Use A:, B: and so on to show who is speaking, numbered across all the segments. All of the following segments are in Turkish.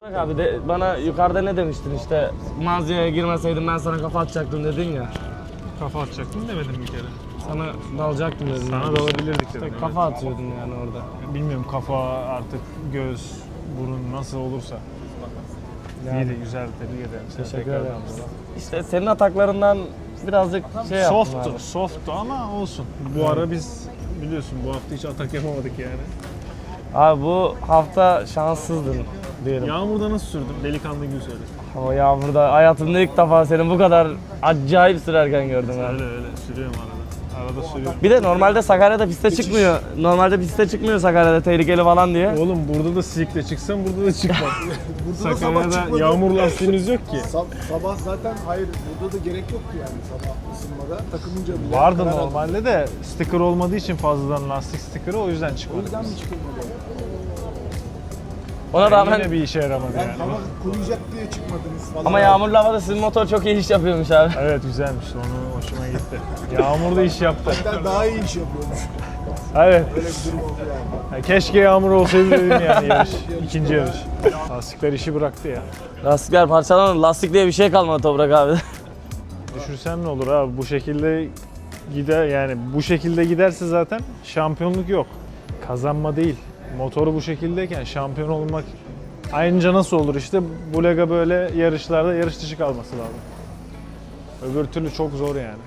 A: Bak abi de bana yukarıda ne demiştin işte mağazaya girmeseydim ben sana kafa atacaktım dedin ya.
B: Kafa atacaktım demedim bir kere.
A: Sana dalacaktım dedin.
B: Sana
A: yani.
B: dalabilirdik dedim.
A: İşte kafa atıyordun yani orada.
B: Bilmiyorum kafa artık göz, burun nasıl olursa.
A: Yani.
B: İyiydi, güzel, tebrik ederim.
A: Teşekkür ederim. İşte senin ataklarından birazcık şey yaptım
B: Soft'tu,
A: abi.
B: soft'tu ama olsun. Bu ara biz biliyorsun bu hafta hiç atak yapamadık yani.
A: Abi bu hafta şanssızdın diyelim.
B: Yağmurda nasıl sürdün? Delikanlı gibi söyle.
A: O yağmurda hayatımda ilk defa seni bu kadar acayip sürerken gördüm abi.
B: Öyle öyle sürüyorum arada. Arada sürüyorum.
A: Bir de normalde Sakarya'da piste çıkmıyor. Normalde piste çıkmıyor Sakarya'da tehlikeli falan diye.
B: Oğlum burada da silikle çıksam burada da çıkmam.
C: Burada da sabah
B: Sakarya'da
C: çıkmadı.
B: yağmur lastiğiniz yok ki.
C: Sabah zaten hayır burada da gerek yoktu yani sabah ısınmada. Takımınca bile
B: Vardı
C: karar aldı.
B: normalde de sticker olmadığı için fazladan lastik sticker'ı o yüzden
C: O
B: çıkmadı.
C: yüzden mi çıkılmadı?
A: Ona
B: Yani
A: rağmen
B: yine bir işe yaramadı
C: Yani
B: yani.
C: hava kuruyacak diye çıkmadınız falan.
A: ama yağmurlu havada sizin motor çok iyi iş yapıyormuş abi.
B: Evet güzelmiş onu hoşuma gitti. Yağmur da iş yaptı.
C: Hatta daha iyi iş yapıyormuş.
B: Evet.
C: Öyle bir durum oldu yani.
B: Ya keşke yağmur olsaydı dedim yani yarış. İkinci yarış. Lastikler işi bıraktı ya.
A: Lastikler parçalanır. Lastik diye bir şey kalmadı Toprak abi.
B: Düşürsem ne olur abi bu şekilde gider yani bu şekilde giderse zaten şampiyonluk yok. Kazanma değil. Motoru bu şekildeyken şampiyon olmak ayrıca nasıl olur işte bu lega böyle yarışlarda yarış dışı kalması lazım. Öbür türlü çok zor yani.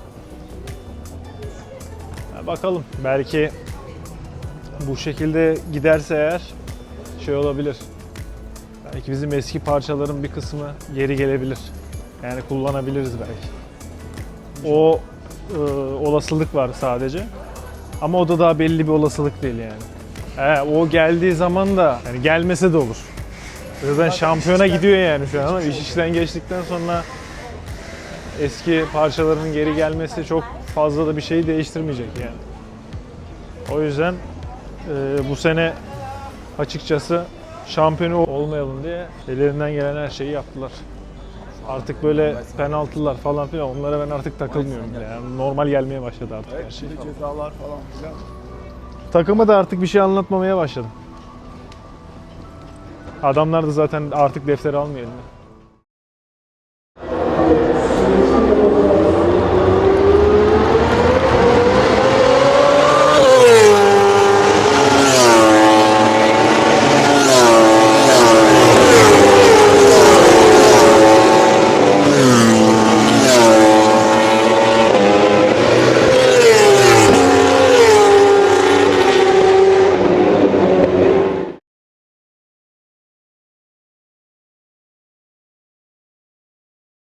B: Ya bakalım belki bu şekilde giderse eğer şey olabilir. Belki bizim eski parçaların bir kısmı geri gelebilir. Yani kullanabiliriz belki. O olasılık var sadece. Ama o da daha belli bir olasılık değil yani. O geldiği zaman da yani gelmese de olur. Zaten şampiyona gidiyor yani şu an ama iş işten geçtikten sonra eski parçaların geri gelmesi çok fazla da bir şeyi değiştirmeyecek yani. O yüzden bu sene açıkçası şampiyonu olmayalım diye ellerinden gelen her şeyi yaptılar. Artık böyle penaltılar falan filan onlara ben artık takılmıyorum bile. Yani normal gelmeye başladı artık her şey.
C: Cezalar falan filan.
B: Takıma da artık bir şey anlatmamaya başladım. Adamlar da zaten artık defteri almıyor eline.